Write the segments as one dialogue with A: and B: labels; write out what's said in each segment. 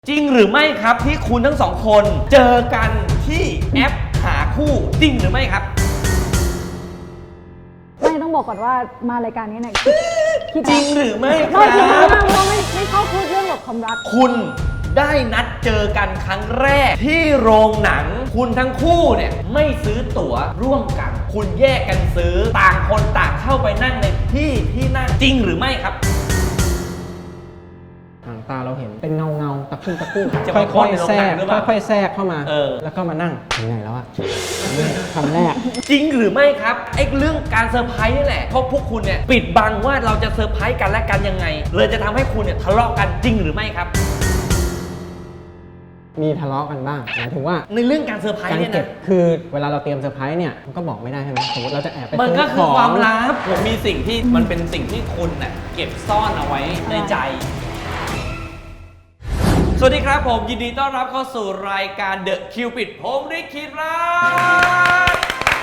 A: จริงหรือไม่ครับที่คุณทั้งสองคนเจอกันที่แอปหาคู่จริงหรือไม่ครับ
B: ไม่ต้องบอกก่อนว่ามารายการนี้เนี่ยคิด
A: จริงหรือไม่ค
B: ไม่
A: รั
B: คิด
A: บ
B: มากเพราะไม่ชอบพูดเรื่องแบบความรัก
A: คุณได้นัดเจอกันครั้งแรกที่โรงหนังคุณทั้งคู่เนี่ยไม่ซื้อตั๋วร่วมกันคุณแยกกันซื้อต่างคนต่างเข้าไปนั่งในที่นั่งจริงหรือไม่ครับ
C: หางตาเราเห็นเป็นเงาตะคุ่ม
A: จะ
C: ค่
A: มาพ่น
C: อย
A: ใน
C: ๆ
A: โรง
C: แทร
A: หนัง
C: ก
A: หรือเปล่า
C: ค่อยๆแทรกเข้ามา
A: แล้ว
C: ก็มานั่งยังไงแล้วอะคำแรก
A: จริงหรือไม่ครับไอ้เรื่องการเซอร์ไพรส์นี่แหละเพราะพวกคุณเนี่ยปิดบังว่าเราจะเซอร์ไพรส์กันและกันยังไงเลยจะทำให้คุณเนี่ยทะเลาะกันจริงหรือไม่ครับ
C: มีทะเลาะกันบ้างหมายถึงว่า
A: ในเรื่องการเซอร์ไพรส์
C: การ
A: เนี่ย
C: เก็บ
A: นะ
C: คือเวลาเราเตรียมเซอร์ไพรส์เนี่ยมันก็บอกไม่ได้ใช่ไหมสมมติเราจะแอบไป
A: มันก็
C: ซื้
A: คือความ
C: ขง
A: ลับผมมีสิ่งที่มันเป็นสิ่งที่คุณน่ะเก็บซ่อนเอาไว้ในใจ สวัสดีครับผมยินดีต้อนรับเข้าสู่รายการ The Cupid ผมริกคิดรัก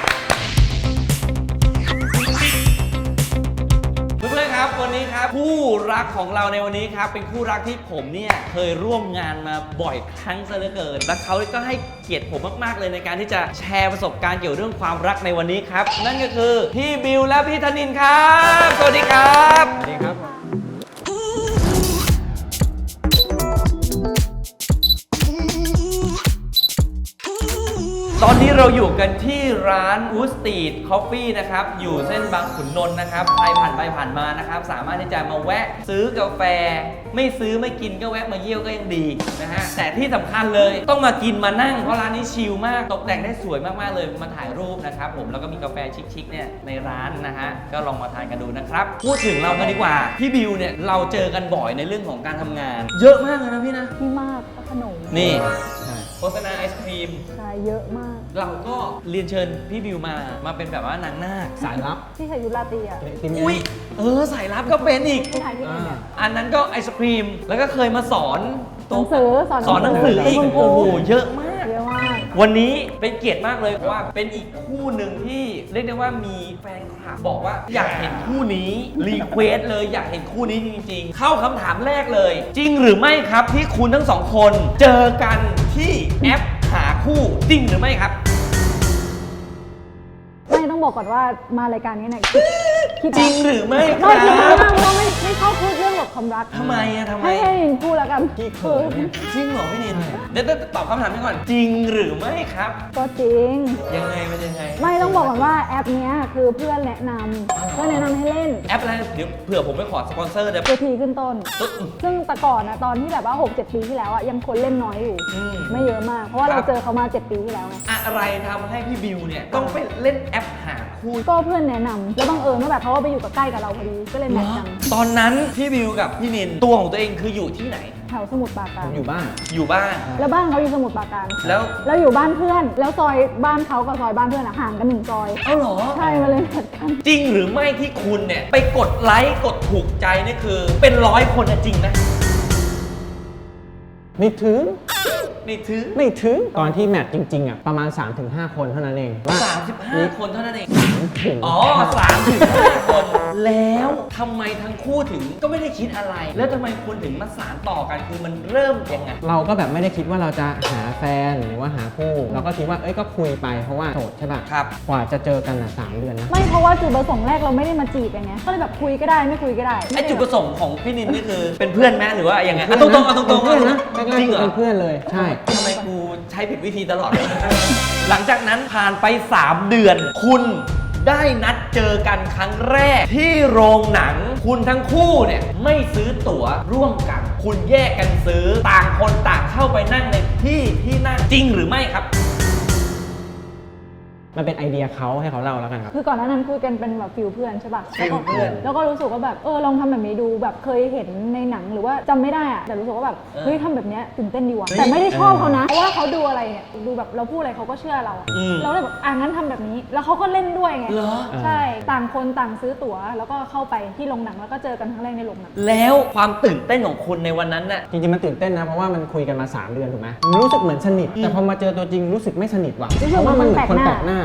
A: เพื่อนๆครับวันนี้ครับคู่รักของเราในวันนี้ครับเป็นคู่รักที่ผมเนี่ยเคยร่วมงานมาบ่อยครั้งซะเหลือเกินและเขาก็ให้เกียรติผมมากๆเลยในการที่จะแชร์ประสบการณ์เกี่ยวเรื่องความรักในวันนี้ครับนั่นก็คือพี่บิวและพี่ธนินทร์ครับสวัสดีครับ
C: สวัสดีครับ
A: ตอนนี้เราอยู่กันที่ร้าน Wood Street Coffee นะครับอยู่เส้นบางขุนนนท์นะครับใครผ่านไปผ่านมานะครับสามารถที่จะมาแวะซื้อกาแฟไม่ซื้อไม่กินก็แวะมาเยี่ยวก็ยังดีนะฮะแต่ที่สำคัญเลยต้องมากินมานั่งเพราะร้านนี้ชิลมากตกแต่งได้สวยมากๆเลยมาถ่ายรูปนะครับผมแล้วก็มีกาแฟชิคๆเนี่ยในร้านนะฮะก็ลองมาทานกันดูนะครับพูดถึงเรากันดีกว่าพี่บิวเนี่ยเราเจอกันบ่อยในเรื่องของการทำงาน เยอะมากเลยนะพี่นะ
B: ที่มากก็ขนม
A: นี่
C: ใช่
A: โฆษณาไอศครีม
B: ใช่เยอะมาก
A: เราก็เรียนเชิญพี่บิวมาเป็นแบบว่านางนาค
C: สายลับ
B: ที่ใส่ยุราตรีอ่ะ
C: ติม
A: อุ้ยสายลับก็เป็นอีก
B: ที่ถ่ายที่ไหนเนี่ย
A: อันนั้นก็ไอศครีม แล้วก็เคยมาสอน
B: หนังสือสอน
A: หนังสืออีก
B: คุณครู
A: โอ้โหเยอะมาก
B: เยอะมาก
A: วันนี้เป็นเกียรติมากเลยเพราะว่าเป็นอีกคู่หนึ่งที่เรียกได้ว่ามีแฟนคลับบอกว่าอยากเห็นคู่นี้รีเควสเลยอยากเห็นคู่นี้จริงๆ เข้าคำถามแรกเลย จริงหรือไม่ครับที่คุณทั้งสองคนเจอกันที่แอปหาคู่จริงหรือไม่ครับ
B: ไม่ต้องบอกก่อนว่ามารายการนี้เนี่ยคิด
A: จริงหรือไม่ค
B: ไม่คิด
A: รั
B: มาก
A: บ
B: เพราะไม่ชอบพูดเรื่องแบบความรัก
A: ทำไมอะทำไม
B: ให้ยินพูดแล้วกัน
C: พี่เขินเนี่ย
A: จริงเหรอพี่นินเดี๋ยวตอบคำถามนี้ก่อนจริงหรือไม่ครับ
B: ก็จริง
A: ยังไงมันยังไง
B: ไม่ต้องบอกก่อนว่าแอปเนี้ยคือเพื่อนแนะนำให้เล่น
A: แอปอะไรเดี๋ยวเผื่อผมไปขอสปอนเซอร์เดี๋ยว
B: เวทีขึ้นต้น ซึ่งแต่ก่อนนะตอนที่แบบว่า 6-7 ปีที่แล้วอะยังคนเล่นน้อยอยู่ ไม่เยอะมาก เพราะว่าเราเจอเขามา 7 ปีที่แล้วไง
A: อะไรทำให้พี่บิวเนี่ยต้องไปเล่นแอปหาคู่
B: ก็เพื่อนแนะนำแล้วบังเอิญว่าแบบเขาก็ไปอยู่กับใกล้กับเราพอดีก็เลยแมทช์กัน
A: ตอนนั้นพี่บิวกับพี่นินตัวของตัวเองคืออยู่ที่ไหน
B: แถวสมุทรปรา
C: ผ
B: การ
C: มอยู่บ้าน
A: อยู่บ้าน
B: แล้วบ้านเขาอยู่สมุทรปราการ
A: แล้ว
B: เราอยู่บ้านเพื่อน แล้วซอยบ้านเขากับซอยบ้านเพื่อนอะห่างกัน1 ซอย
A: เอ้าเหรอ
B: ใช่มาเลยแมทช์กัน
A: จริงหรือไม่ที่คุณเนี่ยไปกดไลค์กดถูกใจนี่คือเป็น100 คนอะจริงไหม
C: ไม่ถึง
A: นี่ถือ
C: ไม่ถึง ตอนที่แมทจริงๆอ่ะประมาณ 3-5 คนเท่านั้นเองว่า
A: 35 คนเท่านั้นเอง
C: ถึง
A: อ๋อ3-5 คน แล้วทำไมทั้งคู่ถึงก็ไม่ได้คิดอะไร แล้วทำไมคุณถึงมาสานต่อกันคือมันเริ่มยังไง
C: เราก็แบบไม่ได้คิดว่าเราจะหาแฟนหรือว่าหาคู่เราก็คิดว่าเอ้ยก็คุยไปเพราะว่าโสดใช่ป่ะ
A: ครับ
C: กว่าจะเจอกันอ่ะ3 เดือนนะ
B: ไม่เพราะว่าจุดประสงค์แรกเราไม่ได้มาจีบกันไงก็เลยแบบคุยก็ได้ไม่คุยก็ได้
A: ไอจุดประสงค์ของพี่นินนี่คือเป็นเพื่อนแม่หรือว่ายังไงอ่ะตรงๆเอาตรงๆ
C: เพื่อนนะแรกๆ
A: จริงเหรอ
C: เป็นเพื่อนเลยใช่
A: ทำไมกูใช้ผิดวิธีตลอด หลังจากนั้นผ่านไป 3 เดือน คุณได้นัดเจอกันครั้งแรกที่โรงหนัง คุณทั้งคู่เนี่ยไม่ซื้อตั๋วร่วมกัน คุณแยกกันซื้อต่างคนต่างเข้าไปนั่งในที่นั่งจริงหรือไม่ครับ
C: มันเป็นไอเดียเขาให้เขาเล่าแล้วกันครับ
B: คือก่อนหน้านั้นคุยกันเป็นแบบฟิลเพื่อนใช่ป่ะ
A: ฟิลเพื่อน
B: แล้วก็รู้สึกว่าแบบลองทำแบบนี้ดูแบบเคยเห็นในหนังหรือว่าจำไม่ได้อะแต่รู้สึกว่าแบบเฮ้ยทำแบบเนี้ยตื่นเต้นดีว่ะแต่ไม่ได้ชอบเขานะเพราะว่าเขาดูอะไรเนี่ยดูแบบเราพูดอะไรเขาก็เชื่อเราอะเราเลยแบบงั้นทำแบบนี้แล้วเขาก็เล่นด้วยไง
A: เหรอ
B: ใช่ต่างคนต่างซื้อตั๋วแล้วก็เข้าไปที่โรงหนังแล้วก็เจอกันครั้งแรกในโรงหนัง
A: แล้วความตื่นเต้นของคุณในวันนั้นน่ะ
C: จริงๆมันตื่นเต้นนะเพราะว่ามันคุยกันมา3 เดือนถูกไหมมันรู้สึกเหมือนสนิทแต่พอมาเจอตัวจริงรู้สึกไม่สนิทว่ะ
B: รู้สึก
C: เพราะว่ามันเหมือนคน
B: เหมือน
C: แป
B: แป
C: ล
B: ล
C: ก
B: ก
C: ห
B: ห
C: น้า
B: น้า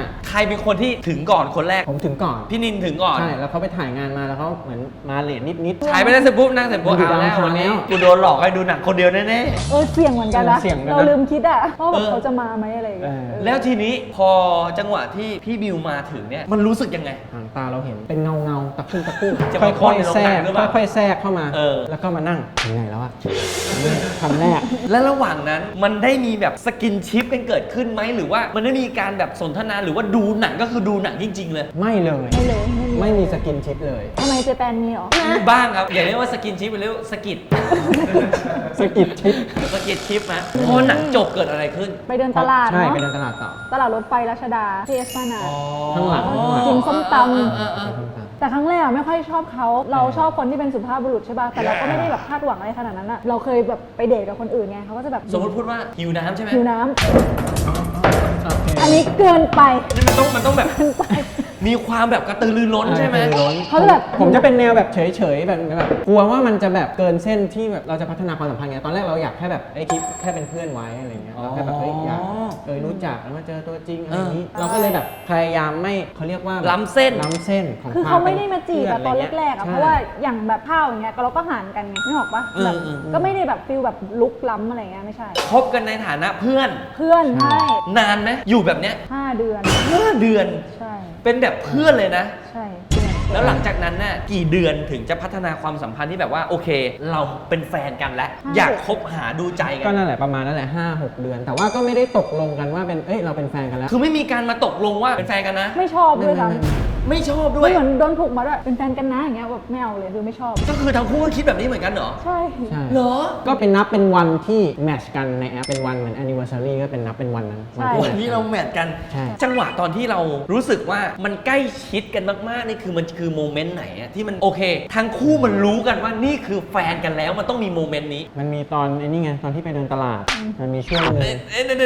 A: ใครเป็นคนที่ถึงก่อนคนแรก
C: ผมถึงก่อน
A: พี่นินถึงก่อน
C: ใช่แล้วเขาไปถ่ายงานมาแล้วเขาเหมือนมาเลทนิดๆ
A: ถ่ายไปได้เสร็จปุ๊บนั่งเสร็จปุ๊บ
C: มันอยู่
A: เอาแล้ว
C: ดาวอังคาร
A: วันนี้
C: แล้ว
A: กูโดนหลอกให้ดูหนังคนเดียวแน่
B: เสี่ยงเหมือนกันนะ
C: เสี่ยงเหมือนกันนะ
B: เราลืมคิดอะว่าแบบ
A: เออ
B: เขาจะมาไหมอะไรอย่างเงี้ย
A: ๆแล้วทีนี้พอจังหวะที่พี่บิวมาถึงเนี่ยมันรู้สึกยังไง
C: หางตาเราเห็นเป็นเงาตะคุ่มตะคุ่ม
A: จะมา
C: ค่อยๆแทรก
A: พ่นในโรงหนังหรือเปล่า
C: ค่อยๆแทรกเข้ามา
A: เออ
C: แล้วก็มานั่งถึงไหนแล้วอะคำแรก
A: และระหว่างนั้นมันได้มีแบบสกินชิปกันเกิดขึ้นไหมหรือว่ามันได้มีการแบบสนทนาหรือว่าดูหนังก็คือดูหนังจริง ๆ เลย
C: ไม่เลย ไม่มีสกินชิปเลย
B: ทำไมเจแปนมีเหรอ
A: มีบ้างครับอย่าเรียกว่าสกินชิปเรียกว่าสกิด
C: สกินชิป
A: สกิดชิปนะพอหนังจบเกิดอะไรขึ้น
B: ไปเดินตลาด
C: ใช่
B: เนาะ
C: ไปเดินตลาดต่อ
B: ตลาดรถไฟรัชดาที่เอสพานา
C: ข้างหลัง
B: กินส้มตำ
A: เออ
B: แต่ครั้งแรกอะไม่ค่อยชอบเขา เราชอบคนที่เป็นสุภาพบุรุษใช่ป่ะ แต่เราก็ไม่ได้แบบคาดหวังอะไรขนาดนั้นอะเราเคยแบบไปเดทกับคนอื่นไงเขาก็จะแบบ
A: สมมติพูดว่าหิวน้ำใช่ไหม
B: หิวน้ำ
C: โอเค
B: อันนี้เกินไป
A: นี่มันต้องแบบ
B: เกินไป
A: มีความแบบกระตือรือร้นใช่ไหม
B: เขาจะแบบ
C: ผมจะเป็นแนวแบบเฉยๆแบบกลัวว่ามันจะแบบเกินเส้นที่แบบเราจะพัฒนาความสัมพันธ์ไงตอนแรกเราอยากแค่แบบคิดแค่เป็นเพื่อนไว้อะไรเงี้ยเราแค่แบบอยากรู้จักแล้วมาเจอตัวจริงอะไรอย่างนี้เราก็เลยแบบพยายามไม่เขาเรียกว่าแบบ
A: ล้ำเส้น
C: ล้ำเส้นของ
B: คือ
C: คว
B: เขาไม่ได้มาจีบอะตอน
C: เป็
B: แรกๆอะ
C: ใช่
B: เพราะว่าอย่างแบบข้าวอย่างเงี้ยเราก็ห่างกันไงไม่ออกปะแบบก็ไม่ได้แบบฟิลแบบลุกล้ำอะไรเงี้ยไม่ใช่
A: คบกันในฐานะเพื่อน
B: เพื่อนใช่
A: นานไหมอยู่แบบเนี้ย
B: 5 เดือน
A: 5 เดือน
B: ใช่
A: เป็นแบบเพื่อนเลยนะ
B: ใช่เพื่อน
A: แล้วหลังจากนั้นน่ะกี่เดือนถึงจะพัฒนาความสัมพันธ์ที่แบบว่าโอเค เราเป็นแฟนกันแล้ว อยากคบหาดูใจกั
C: ก็
A: น
C: นั่นแหละประมาณนั่นแหละ5-6 เดือน แต่ว่าก็ไม่ได้ตกลงกันว่าเป็นเราเป็นแฟนกันแล้ว
A: คือไม่มีการมาตกลงว่าเป็นแฟนกันนะ
B: ไม่ชอบด้วยซ้
A: ไม่ชอบ
B: ำ
A: ด้วย
B: เหมือนโดนผูกมาด้วยเป็นแฟนกันนะอย่างเงี้ยแบบไม่เอาเลยคือไม่ชอบ
A: ก็คือทั้งคู่ก็คิดแบบนี้เหมือนกันเหรอ
B: ใช่
C: ใช่
A: เหรอ
C: ก็เป็นนับเป็นวันที่แมทช์กันในแอปเป็นวันเหมือน anniversary ก็เป็นนับเป็นวันนั้นวันที่
A: วันนี้เราแมทกัน
C: ใช่
A: จังหวะตอนที่เรารู้สึกว่ามันใกล้ชิดกันมากๆนี่คือมันคือโมเมนต์ไหนอะที่มันโอเค ทั้งคู่มันรู้กันว่านี่คือแฟนกันแล้วมันต้องมีโมเมนต์นี้
C: มันมีตอนนี่ไงตอนที่ไปเดินตลาด มันมีช่วงหนึง
A: เดี๋ยว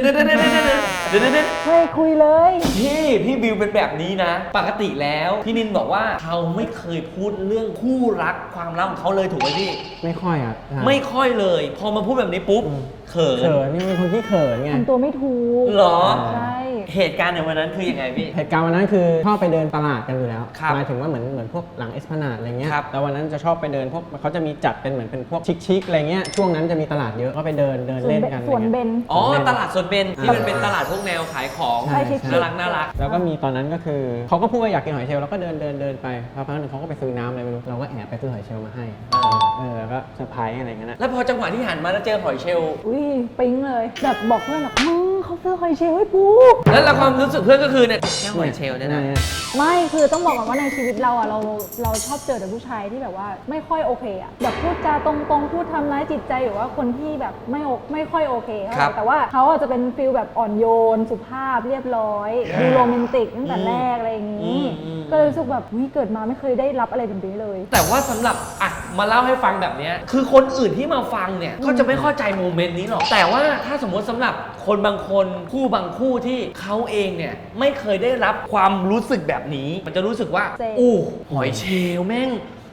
B: เฮ้ยคุยเลย
A: พี่บิวเป็นแบบนี้นะ ปกติแล้วพี่นินบอกว่าเขาไม่เคยพูดเรื่องคู่รักความรักของเขาเลยถูกไหมพี่
C: ไม่ค่อยอ่ะใช่
A: ไม่ค่อยเลย พอมาพูดแบบนี้ปุ๊บเขิน
C: เขินนี่เป็นคนที่เขินไง
B: ทำตัวไม่ถูก
A: เหรอ
B: ใช่
A: เหตุการณ์ในวันนั้นคือยังไงพี่
C: เหตุการณ์วันนั้นคือชอบไปเดินตลาดกันอยู่แล้ว
A: ครับ
C: หมายถึงว่าเหมือนพวกหลังเอสพนาดอะไรเงี้ย
A: ครับ
C: แล้ววันนั้นจะชอบไปเดินพวกเขาจะมีจัดเป็นเหมือนเป็นพวกชิคๆอะไรเงี้ยช่วงนั้นจะมีตลาดเยอะก็ไปเดินเล่นกัน
B: สวนเบน
A: อ๋อตลาดสดเบนที่มันเป็นตลาดพวกแนวขายของ
C: ใช่
B: ใช่
A: น่ารักน่ารัก
C: แล้วก็มีตอนนั้นก็คือเขาก็พูดว่าอยากกินหอยเชลล์เราก็เดินไปพอพักหนึ่งเขาก็ไปซื้อน้ำอะไรไม่รู้เราก็แอบไปซื้อหอยเชลล์มาให้แล้วก็เซอร์ไพรส์อะไรเงี้ยนะ
A: แล้วพอจังหวะที่หันมาแล้วเจอหอยเชลล์
B: อุ้ยปิ๊งเลยแบบบอกเพื่อนแบบมึงเขาซื้อหอยเชลล์ให้ปู
A: แล้วเราความรู้สึกเพื่อนก็คือเนี่ยแค่หอยเชลล์เนี่ยนะ
B: ไม่คือต้องบอกก่อนว่าในชีวิตเราอะเราชอบเจอแต่ผู้ชายที่แบบว่าไม่ค่อยโอเคอะแบบพูดจาตรงๆพูดทำร้ายจิตใจหรือว่าคนที่แบบไม่ค่อยโอเคเท่าไหร่แต่ว่าเขาอะจะเป็นฟิลแบบอ่อนโยนสุภาพเรียบร้อยดูโรแมนติกตั้งแต่แรกอะไรอย่างนี้ ก็เลยรู้สึกแบบเกิดมาไม่เคยได้รับอะไรแบบนี้เลย
A: แต่ว่าสำหรับอ่ะมาเล่าให้ฟังแบบเนี้ยคือคนอื่นที่มาฟังเนี่ยก็จะไม่เข้าใจโมเมนต์นี้หรอกแต่ว่าถ้าสมมติสำหรับคนบางคนคู่บางคู่ที่เขาเองเนี่ยไม่เคยได้รับความรู้สึกแบบนี้มันจะรู้สึกว่า
B: เซ็ง
A: อู้หอยเชลล์แม่ง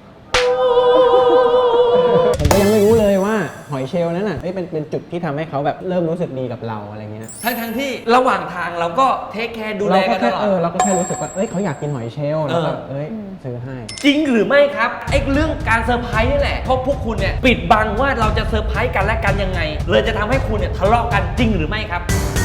C: ผมก็ยังไม่รู้เลยว่าหอยเชลล์นั้นน่ะเป็นจุดที่ทำให้เขาแบบเริ่มรู้สึกดีกับเราอะไรเงี้ย
A: ทั้งที่ระหว่างทางเราก็เทคแคร์ดูแล
C: เรา
A: กั
C: ก็
A: นต
C: แค่
A: ลอด
C: เราก็แค่รู้สึกว่าเขาอยากกินหอยเชลล์แล้วก็ซื้อให้
A: จริงหรือไม่ครับไอ้เรื่องการเซอร์ไพรส์นี่แหละเพราะพวกคุณเนี่ยปิดบังว่าเราจะเซอร์ไพรส์กันและกันยังไง เลยจะทำให้คุณเนี่ยทะเลาะกันจริงหรือไม่ครับ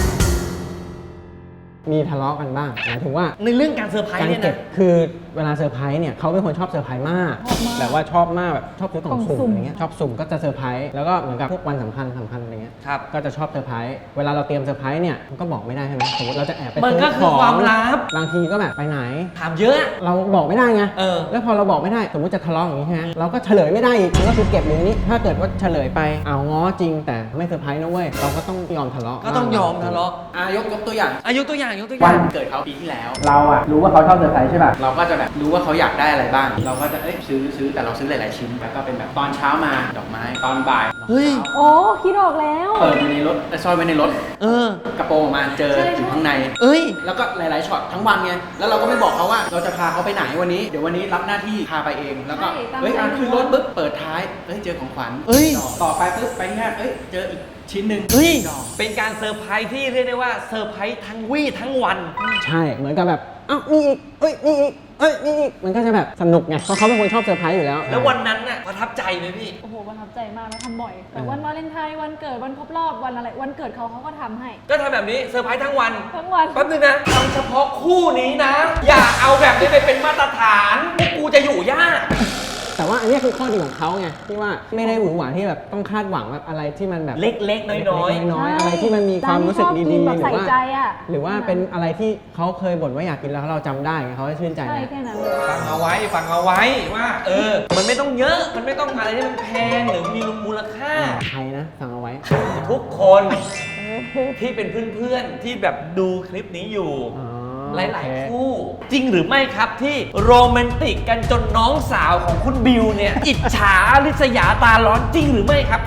C: มีทะเลาะกันบ้างหมายถึงว่า
A: ในเรื่องการเซอร์ไพร
C: การ
A: ส์เนี่ย
C: เก็บ
A: นะ
C: คือเวลาเซอร์ไพรส์เนี่ยเขาเป็นคนชอบเซอร์ไพรส์มาก
B: ชอบมาก
C: แบบว่าชอบมากแบบชอบซื้อกล่อง
B: กล่องสุ่
C: สุ่ม
B: ม
C: อะไรเงี้ยชอบสุ่มก็จะเซอร์ไพรส์แล้วก็เหมือนกับพวกวันสำคัญอะไรเงี้ย
A: ครับ
C: ก็จะชอบเซอร์ไพรส์เวลาเราเตรียมเซอร์ไพรส์เนี่ยมันก็บอกไม่ได้ใช่ไหมสมมติเราจะแอบไป
A: มัน
C: ซื้
A: ก็
C: อ
A: คื
C: ข
A: อ
C: อง
A: ความลับ
C: บางทีก็แบบไปไหน
A: ถามเยอะ
C: เราบอกไม่ได้ไง
A: เออ
C: แล้วพอเราบอกไม่ได้สมมติจะทะเลาะอย่างนี้ใช่ไหมเราก็เฉลยไม่ได้อีกมันก็คือเก็บอยู่ในนี้ถ้าเกิดว่าเฉลยไปเอาง้อจริงแต่ไม่เซอร์ไพรส์นะเว้ยเราก็ต้องยอมทะเลาะ
A: ก็ต้องยอมทะเลาะ
C: ยกตัวอย่าง
A: อายุตัวอย่าง
C: วันเกิดเขาปีที่แล้ว เราอะรู้ว่าเขาชอบเซอร์ไพรส์ใช่ป่ะเราก็จะแบบรู้ว่าเขาอยากได้อะไรบ้าง เราก็จะซื้อแต่เราซื้อหลายๆชิ้นแล้วก็เป็นแบบตอนเช้ามาดอกไม้ตอนบ่าย
A: เฮ้ย
B: โอ้คิดออกแล้ว
C: เปิดไว้ในรถซ่อนไว้ในรถ
A: เออ
C: กระโปรงออกมาเจออยู่ข้างใน
A: เอ้ย
C: แล้วก็หลายๆช็อตทั้งวันไงแล้วเราก็ไม่บอกเขาว่าเราจะพาเขาไปไหนวันนี้เดี๋ยววันนี้รับหน้าที่พาไปเองแล้วก็
B: ใช่ตาม
C: เฮ้ย
B: ใจ
C: ขึ้นรถปุ๊บเปิดท้ายเจอของขวัญ
A: เอ้ย
C: ต่อไปปุ๊บไปที่ห้างเจออีก
D: ชิ้นหนึ่ง
A: เฮ้ยเป็นการเซอร์ไพรส์ที่เรียกได้ว่าเซอร์ไพรส์ทั้งวี่ทั้งวัน
C: ใช่เหมือนกับแบบเอ้ามีอีกเอ้ยมีอีกเอ้ยมีอีกมันก็จะแบบสนุกไงเพราะเขาเป็นคนชอบเซอร์ไพรส์อยู่แล้ว
A: แล้ววันนั้นน่ะประทับใจไหมพี่
B: โอ้โหประทับใจมากนะทำบ่อยแต่วันวาเลนไทน์วันเกิดวันครบรอบวันอะไรวันเกิดเขาก็ทำให้
A: ก็ทำแบบนี้เซอร์ไพรส์ทั้งวัน
B: ทั้งวัน
A: แป๊บนึงนะทำเฉพาะคู่นี้นะ อย่าเอาแบบนี้ไปเป็นมาตรฐานพวกกูจะอยู่ยาก
C: แต่ว่าอันนี้คือข้อดีของเขาไงที่ว่าไม่ได้หวือหวาที่แบบต้องคาดหวังแบบอะไรที่มันแบบ
A: เล็กๆน้อย
C: น้อยๆอะไรที่มันมีความรู้สึกดีๆ
B: แบบ
C: หรื
B: ใส่
C: อว่า
B: ใจอ่ะ
C: หรือว่าเป็นอะไรที่เขาเคยบ่นว่าอยากกินแล้วเราจำได้ไงเขาจะชื่นใจ
B: ใช่
C: นะ
B: แค่นั้นเลย
A: ๆฟังเอาไว้ว่ามันไม่ต้องเยอะมันไม่ต้องอะไรที่มันแพงหรือมีมูลค่า
C: ใครนะฟังเอาไว้
A: ทุกคนที่เป็นเพื่อนๆที่แบบดูคลิปนี้อยู่
C: อ๋อ
A: หลาย
C: โอเค
A: ๆคู่ จริงหรือไม่ครับที่โรแมนติกกันจนน้องสาวของคุณบิวเนี่ย อิจฉาริษยาตาร้อนจริงหรือไม่ครับ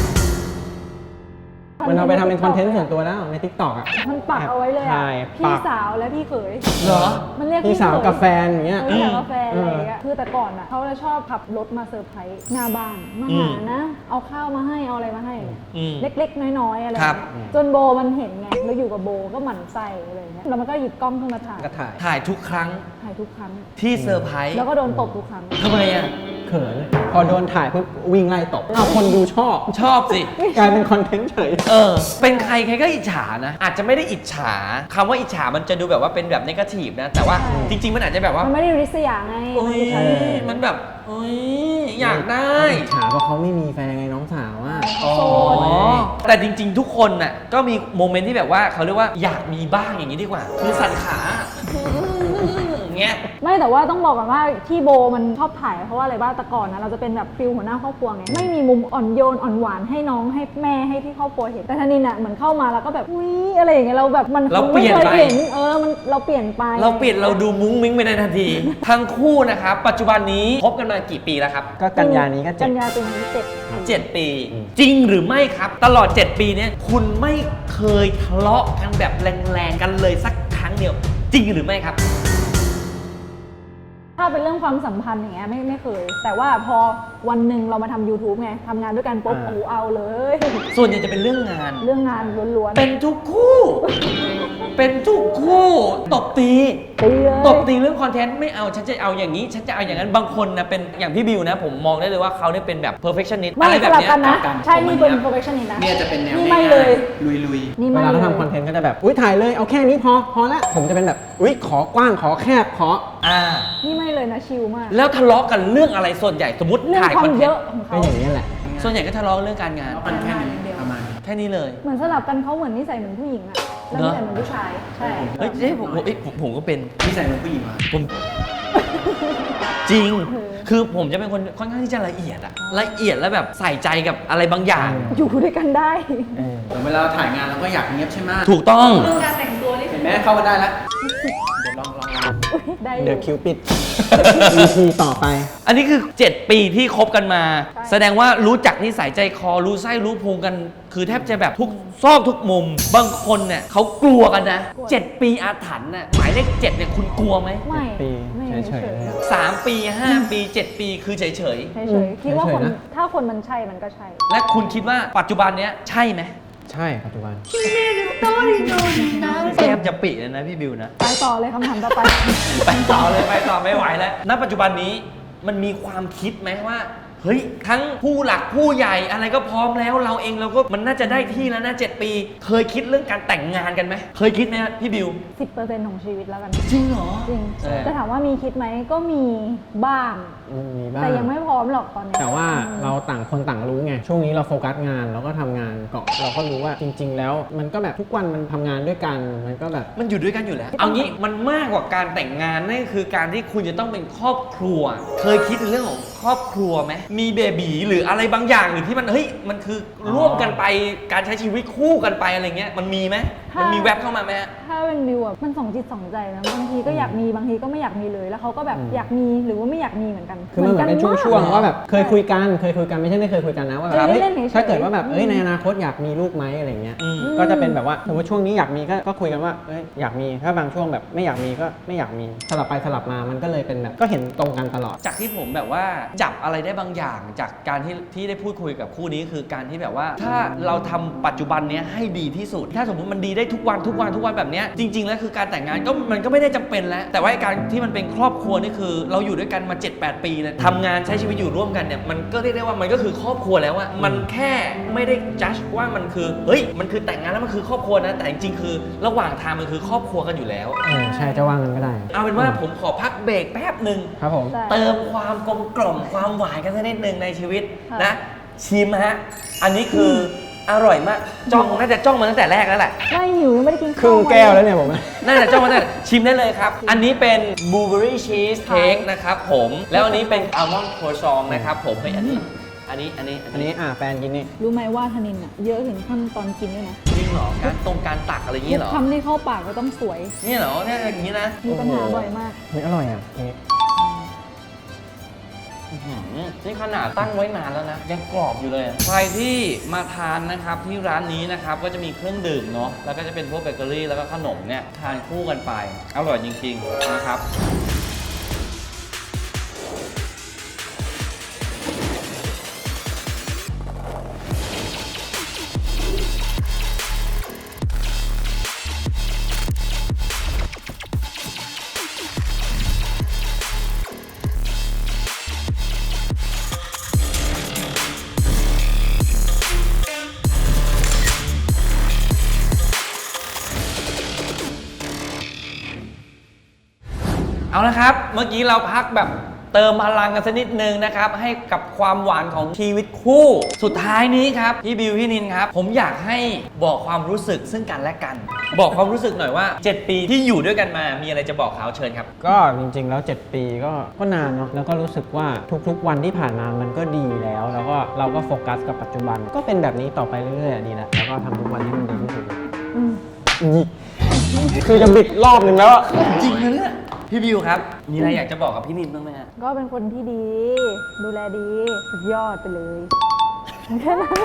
C: มันเอาไปทำเป็นคอนเทนต์ส่วนตัวแล้วใน TikTok อ่ะ
B: มันปักเอาไว้เลย
C: ใช่
B: อ่ะพี่
C: ปัก
B: สาวและพี่เขย
A: เหรอ
B: มันเรียก
C: พี่สาว
B: เขย
C: กับแฟนอย่างเงี้ย
B: พี่สาวกาแฟอะไรอย่างเงี้ยคือแต่ก่อนอ่ะเขาจะชอบขับรถมาเซอร์ไพรส์หน้าบ้านมาหานะ เอาข้าวมาให้เอาอะไรมาให้
A: อืม
B: เล็กๆ น้อยๆอะไร
A: ครับ
B: เงี้ยจนโบมันเห็นไงแล้วอยู่กับโบก็หมั่นไส้อะไรเงี้ยแล้วมันก็หยิบกล้องขึ้นมาถ่าย
C: ก็ถ่าย
A: ถ่ายทุกครั้ง
B: ถ่ายทุกครั้ง
A: ที่เซอร์ไพรส์
B: แล้วก็โดนตบทุกครั้ง
A: ทำไมอ่ะ
C: เขินพอโดนถ่ายปุ๊บวิ่งไล่ตบเอาคนดูชอบ
A: ชอบสิ
C: กลายเป็นคอนเทนต์เฉย
A: เป็นใครใครก็อิจฉานะ อาจจะไม่ได้อิจฉาคำว่าอิจฉามันจะดูแบบว่าเป็นแบบนกาทีฟนะ แต่ว่า
B: ใช่
A: จริง ๆ มันอาจจะแบบว่า
B: มันไม่ได้ริษยาไง
A: โอ้ย
B: มันอิจฉา
A: มันแบบโอ้ยอยากได้
C: ฉาเพราะเขาไม่มีแฟนไงน้องสาวอ่ะ
B: โสด
A: แต่จริง ๆ ทุกคนน่ะก็มีโมเมนต์ที่แบบว่าเขาเรียกว่าอยากมีบ้างอย่างนี้ดีกว่า คือสั่นขาเงี้ย
B: ไม่แต่ว่าต้องบอกก่อนว่าที่โบมันชอบถ่ายเพราะว่าอะไรบ้างแต่ก่อนนะเราจะเป็นแบบฟิลหัวหน้าครอบครัวไงไม่มีมุมอ่อนโยนอ่อนหวานให้น้องให้แม่ให้ที่ครอบครัวเห็นแต่ธนินอ่ะเหมือนเข้ามาแล้วก็แบบอุ้ยอะไรอย่างเงี้ยเราแบบมัน
A: เราเปลี่ยน
B: ไม่
A: ไป
B: เคยเห็นมันเราเปลี่ยนไป
A: เราเปลี่ยนเราดูมุ้งมิ้งไปในทันที ทั้งคู่นะครับ ปัจจุบันนี้คบกันมากี่ปีแล้วครับ
C: ก็กันยานี้ก็เจ็
B: กั
C: ด
B: นยาเป็นที่เจ็ด
A: 7 ปี จริงหรือไม่ครับ ตลอด 7 ปีเนี้ยคุณไม่เคยทะเลาะกันแบบแรงๆกันเลยสักครั้งเดียว จริงหรือไม่ครับ
B: ถ้าเป็นเรื่องความสัมพันธ์อย่างเงี้ยไม่เคย แต่ว่าพอวันหนึ่งเรามาทำ YouTube ไงทำงานด้วยกันปุ๊บโอ้โหเอาเลย
A: ส่วนใหญ่จะเป็นเรื่องงาน
B: เรื่องงานล้วน
A: เป็นทุกคู่ เป็นทุกคู่ตบตี
B: ๆตีเลย
A: ตบตีเรื่องคอนเทนต์ไม่เอาฉันจะเอาอย่างนี้ ฉันจะเอาอย่างนั้นบางคนนะเป็นอย่างพี่บิวนะ ผมมองได้เลยว่าเขาเนี่ยเป็นแบบ perfectionist
B: ไม่
A: อะไร
B: ส
A: แบบ
B: ลับ
A: เนี้ย
B: กันนะ
D: กลับกัน
B: ใช่นี่เป็น
D: ผมอันเนี้ย
B: perfectionist นะ
D: เนี่ยจะเป็นแนว
B: นี่ไม่เลย
D: ลุย
B: นี่
C: เว
B: ไม่
C: ลา
B: เล
C: เขา
B: ย
C: ทำคอนเทนต์ก็จะแบบ อุ้ยถ่ายเลยเอาแค่นี้พอละผมจะเป็นแบบ อุ้ยขอกว้างขอแคบขอ
A: อ่า
B: นี่ไม่เลยนะชิลมาก
A: แล้วทะเลาะกันเรื่องอะไรส่วนใหญ่สมมติ
B: เรื่อง
A: ถ่าย
B: ค
A: คว
B: า
A: อน
B: ม
A: เท
B: เย
A: น
B: อะ
A: ต์
B: ของเขา
C: ก็อย่างนี้ยแหละ
A: ส่วนใหญ่ก็ทะเลาะเรื่องการงาน
D: ๆคอนเทนต์ประมาณนี้
A: แค่นี้เลย
B: เหมือนสลับกันเขาเหมือนนิสัยเหมือนผู้หญิงอะแล้วนิสัยเหมือนผู้ชาย ใช่
A: เฮ้ยผมก็เป็น
D: นิสัยของผู้หญิงวะ
A: ผมจริง คือผมจะเป็นคนค่อนข้างที่จะละเอียดอะละเอียดแล้วแบบใส่ใจกับอะไรบางอย่าง
B: อยู่ด้วยกันได้
D: แต่เวลาถ่ายงานเราก็อยากเงียบใช่ไหม
A: ถูกต้อง
B: เรื่องการแต่งตัวนี่
D: เห็นไหมเข้ามาได้แล้วเดี๋ยวลอง
B: ได้อ
C: เด
B: ยู่
C: อะคิวปิด EP ต่อไป
A: อันนี้คือ 7 ปีที่คบกันมา
B: ใช่
A: แสดงว่ารู้จักนิสัยใจคอรู้ไส้รู้พุงกัน คือแทบจะแบบทุกซอกทุกมุม บางคนเนี่ยเขากลัวกันนะ 7 ปีอาถรรพ์น่ะหมายเลข7เนี่ยคุณกลัวไหม
B: ไม่
C: ปี
B: ไม่
C: เฉยๆเลย
A: 3 ปี 5 ปี 7 ปีคือเฉย
B: เฉยๆคิดว่าคน
C: เฉยๆนะ
B: ถ้าคนมันใช่มันก็ใช่
A: ๆ และคุณคิดว่าปัจจุบันเนี้ยใช่ไหม
C: ใช่ปัจจุบัน
A: แทบจะปิเลยนะพี่บิวนะ
B: ไปต่อเลยคำถามต่อไป
A: ไปต่อเลยไปต่อไม่ไหวแล้ว ณ ปัจจุบันนี้มันมีความคิดไหมว่า เฮ้ย ทั้งผู้หลักผู้ใหญ่อะไรก็พร้อมแล้วเราเองเราก็มันน่าจะได้ที่แล้วนะ7 ปี เคยคิดเรื่องการแต่งงานกันไหม เคยคิดไหมครับพี่บิว
B: 10%ของชีวิตแล้วกัน
A: จริงเหรอ
B: จริง
A: เออ
B: แต่ถามว่ามีคิดไหมก็มีบ้าง
C: มีบ้าง
B: แต่ยังไม่พร้อมหรอกตอนนี้
C: แต่ว่าเราต่างคนต่างรู้ไง ช่วงนี้เราโฟกัสงานเราก็ทำงานเกาะเราก็รู้ว่าจริง ๆ แล้ว มันก็แบบทุกวันมันทำงานด้วยกัน มันก็แบบ
A: มันอยู่ด้วยกันอยู่แล้ว เอางี้มันมากกว่าการแต่งงานนั่นคือการที่คุณจะต้องเป็นครอบครัว เคยคิดในเรื่องของครอบครัวไหมมีเบบีหรืออะไรบางอย่างหรือที่มันเฮ้ยมันคือร่วมกันไปการใช้ชีวิตคู่กันไปอะไรเงี้ยมันมีไหมมันมีแว็บเข้ามาไหมฮะ
B: ถ้าเป็นบิวอ่ะมันสองจิตสองใจนะบางทีก็อยากมีบางทีก็ไม่อยากมีเลยแล้วเขาก็แบบอยากมีหรือว่าไม่อยากมีเหมือนกัน
C: คือมันเหมือนเป็นช่วงๆว่าแบบเคยคุยกันไม่ใช่ไม่เคยคุยกันนะว่าแบบ
B: เล่นๆเฉยๆ
C: ถ้าเกิดว่าแบบในอนาคตอยากมีลูกไหมอะไรเงี้ยก็จะเป็นแบบว่าสมมติช่วงนี้อยากมีก็คุยกันว่าอยากมีถ้าบางช่วงแบบไม่อยากมีก็ไม่อยากมีสลับไปสลับมามันก็เลยเป็นแบบก็เห็นตรงกันตลอด
A: จากที่ผมแบบว่าจับอะไรได้บางอย่างจากการที่ได้พูดคุยกับคู่นี้คือการที่แบบว่าถ้าเราทำปัจจุบันเนี้ยให้ดีที่สุด ถ้าสมมติมันดีได้ทุกวันแบบเนี้ยจริง ๆ แล้วคือการแต่งงานก็มันก็ไม่ได้จำเป็นแล้วแต่ว่าการที่มันเป็นครอบครัวนี่คือเราอยู่ด้วยกันมา 7-8 ปีเลยทำงานใช้ชีวิตอยู่ร่วมกันเนี่ยมันก็เรียกได้ว่ามันก็คือครอบครัวแล้วอะมันแค่ไม่ได้จัดว่ามันคือเฮ้ยมันคือแต่งงานแล้วมันคือครอบครัวนะแต่จริงๆคือระหว่างทางมันคือครอบครัวกันอยู่แล้ว
C: ใช่จะว่างันก็ได้
A: เอาเป็นว่าผมขอพักเบรกแป๊บหนึ่ง
C: ครับผม
B: ใช่
A: เติมความกลมกล่อมความหวานกันสักนิดหนึ่งในชีวิต
B: ค่ะ
A: นะชิมฮะอันนี้คืออร่อยมากน่าจะจ้องมาตั้งแต่แรกแล้วแหละ
B: ไม่หิวยังไม่ได้กิน
C: ครึ่งแก้วแล้วเนี่ยผม
A: น่าจะจ้องมาตั้งแต่ชิมได้เลยครับ อันนี้เป็นบลูเบอรี่ชีสเค้กนะครับผมแล้วอันนี้เป็นอัลมอนด์โครซองนะครับผมเฮ้ยอันนี้
C: อันนี้แฟนกินนี่
B: รู้ไหมว่าธนินอ่ะเยอะถึงขั้นตอนกินด้วยนะ
A: จริงเหรอการตักอะไรอย่าง
B: ทุ
A: นี้
B: ก
A: เหรอ
B: คำที่เข้าปากก็ต้องสวย
A: นี่เหรอเนี่ยอย่างนี้นะ
B: มีปัญหาบ่อยมาก
C: เฮ้ยอร่อยอ่ะเค้ก
A: อื้อหือนี่ขนาดตั้งไว้นานแล้วนะยังกรอบอยู่เลยอะใครที่มาทานนะครับที่ร้านนี้นะครับก็จะมีเครื่องดื่มเนาะแล้วก็จะเป็นพวกเบเกอรี่แล้วก็ขนมเนี่ยทานคู่กันไปอร่อยจริงๆนะครับเอาละครับเมื่อกี้เราพักแบบเติมพลังกันสักนิดนึงนะครับให้กับความหวานของชีวิตคู่สุดท้ายนี้ครับพี่บิวพี่นินครับผมอยากให้บอกความรู้สึกซึ่งกันและกัน บอกความรู้สึกหน่อยว่า 7 ปีที่อยู่ด้วยกันมามีอะไรจะบอกเขาเชิญครับ
C: ก็จริงๆแล้ว 7 ปีก็นานเนาะแล้วก็รู้สึกว่าทุกๆวันที่ผ่านมามันก็ดีแล้วก็เราก็โฟกัสกับปัจจุบันก็เป็นแบบนี้ต่อไปเรื่อยๆดีแล้วแล้วก็ทำทุกวันให้มันดีที่สุด
B: อืม
C: นี่คือจะบิดรอบหนึ่งแล้วอะ
A: จริงนะเนี่ยพี่บิวครับมีอะไรอยากจะบอกกับพี่นินบ้างไหมฮะ
B: ก็เป็นคนที่ดี ดูแลดีสุดยอดไปเลยแค่นั้น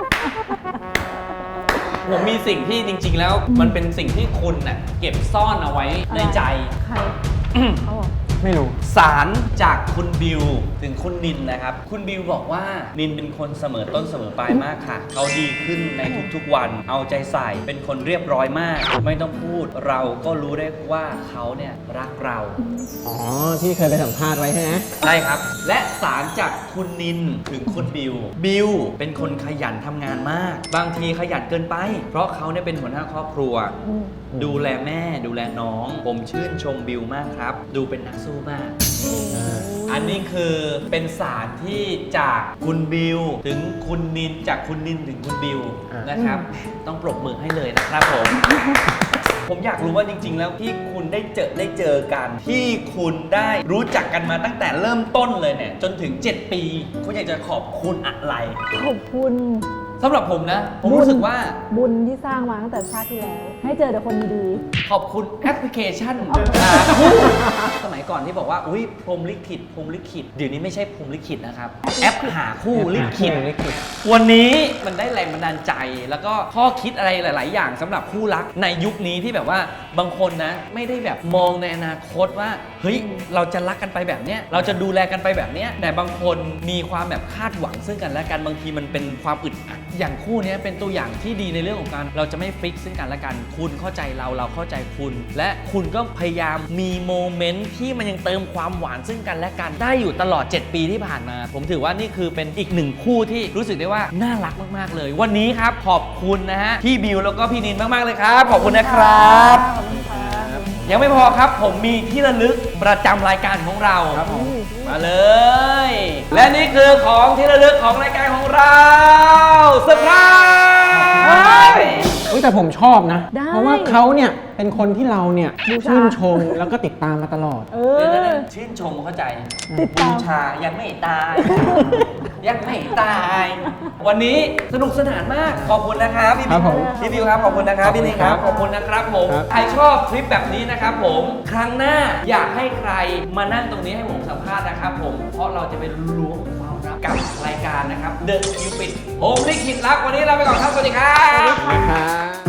A: ผมมีสิ่งที่จริง ๆ แล้วมันเป็นสิ่งที่คุณน่ะเก็บซ่อนเอาไว้ในใจ
B: ใครเขาบอก
C: ไม่รู้
A: สารจากคุณบิวถึงคุณนินนะครับคุณบิวบอกว่านินเป็นคนเสมอต้นเสมอปลายมากค่ะเขาดีขึ้นในทุกๆวันเอาใจใส่เป็นคนเรียบร้อยมาก ไม่ต้องพูดเราก็รู้ได้ว่าเขาเนี่ยรักเรา
C: อ๋อที่เคยไปสัมภาษณ์ไว้ใช่ไหม
A: ใช่ครับ และสารจากคุณนินถึงคุณบิวบิวเป็นคนขยันทำงานมาก บางทีขยันเกินไป เพราะเขาเนี่ยเป็นหัวหน้าครอบครัว ดูแลแม่ดูแลน้อง ผมชื่นชมบิวมากครับ ดูเป็นนักสู้มาก อันนี้คือเป็นสารที่จากคุณบิวถึงคุณนินจากคุณนินถึงคุณบิวนะครับ ต้องปรบมือให้เลยนะครับผม ผมอยากรู้ว่าจริง ๆ แล้วที่คุณได้เจอกัน ที่คุณได้รู้จักกันมาตั้งแต่เริ่มต้นเลยเนี่ยจนถึง 7 ปีคุณอยากจะขอบคุณอะไร
B: ขอบคุณ
A: สำหรับผมนะ ผมรู้สึกว่า
B: บุญที่สร้างมาตั้งแต่ชาติที่แล้ว ให้เจอแต่คนดี
A: ขอบคุณแอปพลิเคชันสมัยก่อนที่บอกว่าอุ้ยพรหมลิขิตเดี๋ยวนี้ไม่ใช่พรหมลิขิตนะครับแอปหาคู่ลิขิต วันนี้มันได้แรงบันดาลใจแล้วก็ข้อคิดอะไรหลาย ๆ อย่างสำหรับคู่รักในยุคนี้ที่แบบว่าบางคนนะไม่ได้แบบมองในอนาคตว่าเฮ้ยเราจะรักกันไปแบบเนี้ยเราจะดูแลกันไปแบบเนี้ยแต่บางคนมีความแบบคาดหวังซึ่งกันและกันบางทีมันเป็นความอึดอัดอย่างคู่เนี้ยเป็นตัวอย่างที่ดีในเรื่องของการเราจะไม่ฟิกซึ่งกันและกันคุณเข้าใจเราเข้าใจคุณ และคุณก็พยายามมีโมเมนต์ที่มันยังเติมความหวานซึ่งกันและกันได้อยู่ตลอด 7 ปีที่ผ่านมา ผมถือว่านี่คือเป็นอีกหนึ่งคู่ที่รู้สึกได้ว่าน่ารักมากๆเลยวันนี้ครับขอบคุณนะฮะพี่บิวแล้วก็พี่นินมากๆเลยครับขอบคุณนะครับ
B: ขอบคุณครับ
A: ยังไม่พอครับผมมีที่ระลึกประจำรายการของเรา
C: ครับผม
A: มาเลย และนี่คือของที่ระลึกของรายการของเราเซอร์ไพรส์
C: แต่ผมชอบนะ
B: ได้
C: เพราะว่าเขาเนี่ยเป็นคนที่เราเนี่ย
B: บูชา
C: ชื่นชมแล้วก็ติดตามมาตลอด
B: เอ
A: เดี๋ยว
B: อ
A: ๆชื่นชมเข้าใจ
B: ติดตาม
A: บูชายังไม่ตาย ยังไม่ตาย วันนี้สนุกสนานมาก ขอบคุณนะครับพี่
C: ครับผม
A: พี่บิวครับ ขอบคุณนะครับ พี่นี่ครับ ขอบคุณนะครับผม
C: ครับ
A: ใครชอบคลิปแบบนี้นะครับผม ครั้งหน้าอยากให้ใครมานั่งตรงนี้ให้ผมสัมภาษณ์นะครับผม เพราะเราจะไปล้วงความลับกับรายการนะครับ The Cupid ผมลิขิตรัก วันนี้ลาไปก่อนครับ สวัสดีครับ
C: นะครับ